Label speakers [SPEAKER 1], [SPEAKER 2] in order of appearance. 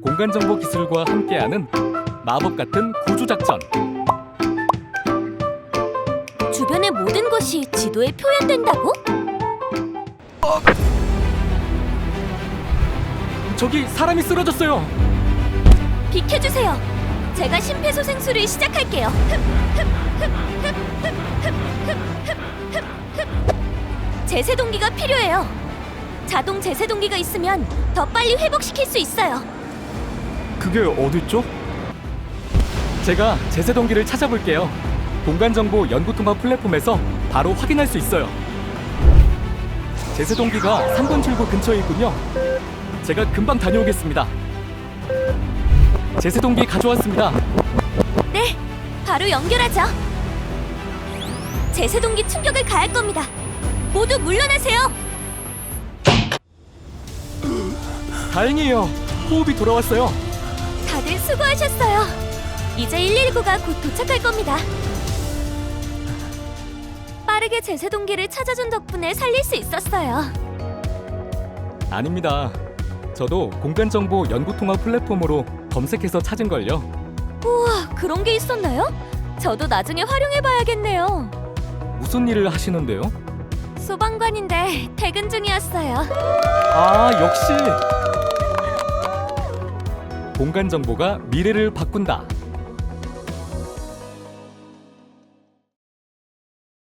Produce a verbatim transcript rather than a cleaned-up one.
[SPEAKER 1] 공간정보 기술과 함께하는 마법 같은 구조작전.
[SPEAKER 2] 주변의 모든 것이 지도에 표현된다고?
[SPEAKER 1] 저기 사람이 쓰러졌어요.
[SPEAKER 2] 비켜주세요. 제가 심폐소생술을 시작할게요. 제세동기가 필요해요. 자동 제세동기가 있으면 더 빨리 회복시킬 수 있어요.
[SPEAKER 1] 그게 어딨죠? 제가 제세동기를 찾아볼게요. 공간정보 연구통합 플랫폼에서 바로 확인할 수 있어요. 제세동기가 삼 번 출구 근처에 있군요. 제가 금방 다녀오겠습니다. 제세동기 가져왔습니다.
[SPEAKER 2] 네, 바로 연결하죠. 제세동기 충격을 가할 겁니다. 모두 물러나세요.
[SPEAKER 1] 다행이에요. 호흡이 돌아왔어요.
[SPEAKER 2] 다들 수고하셨어요. 이제 일일구가 곧 도착할 겁니다. 빠르게 제세동기를 찾아준 덕분에 살릴 수 있었어요.
[SPEAKER 1] 아닙니다. 저도 공간정보 연구통합 플랫폼으로 검색해서 찾은걸요.
[SPEAKER 2] 우와, 그런 게 있었나요? 저도 나중에 활용해봐야겠네요.
[SPEAKER 1] 무슨 일을 하시는데요?
[SPEAKER 2] 소방관인데 퇴근 중이었어요.
[SPEAKER 1] 아, 역시! 공간정보가 미래를 바꾼다.